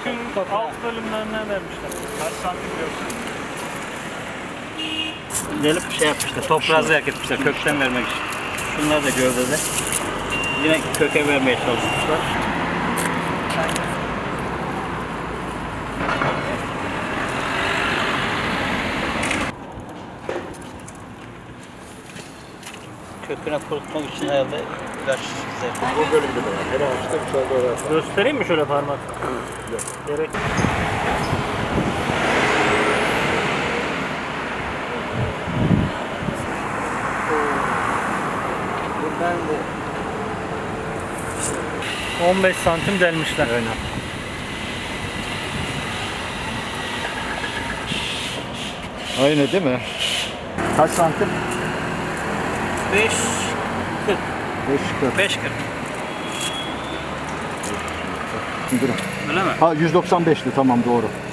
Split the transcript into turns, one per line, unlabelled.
kökün alt bölümlerinden vermişler.
Kaç santim diyorsun?
Gelip şey yapmışlar, toprağı zerk etmişler kökten vermek için. Şunlar da gövdede. Yine köke vermeye çalışmışlar. Köküne kurutmak için herhalde ilaç zerk.
Bu bölümde de var. Her ağaçta bir tane daha var.
Göstereyim mi şöyle parmak?
Yok.
Gerek.
Buradan bu.
15 santim delmişler.
Aynen. Aynı değil mi? Kaç santim?
5, 40.
5 40.
5, 40.
Durun.
Öyle mi?
Ha 195'ti tamam doğru.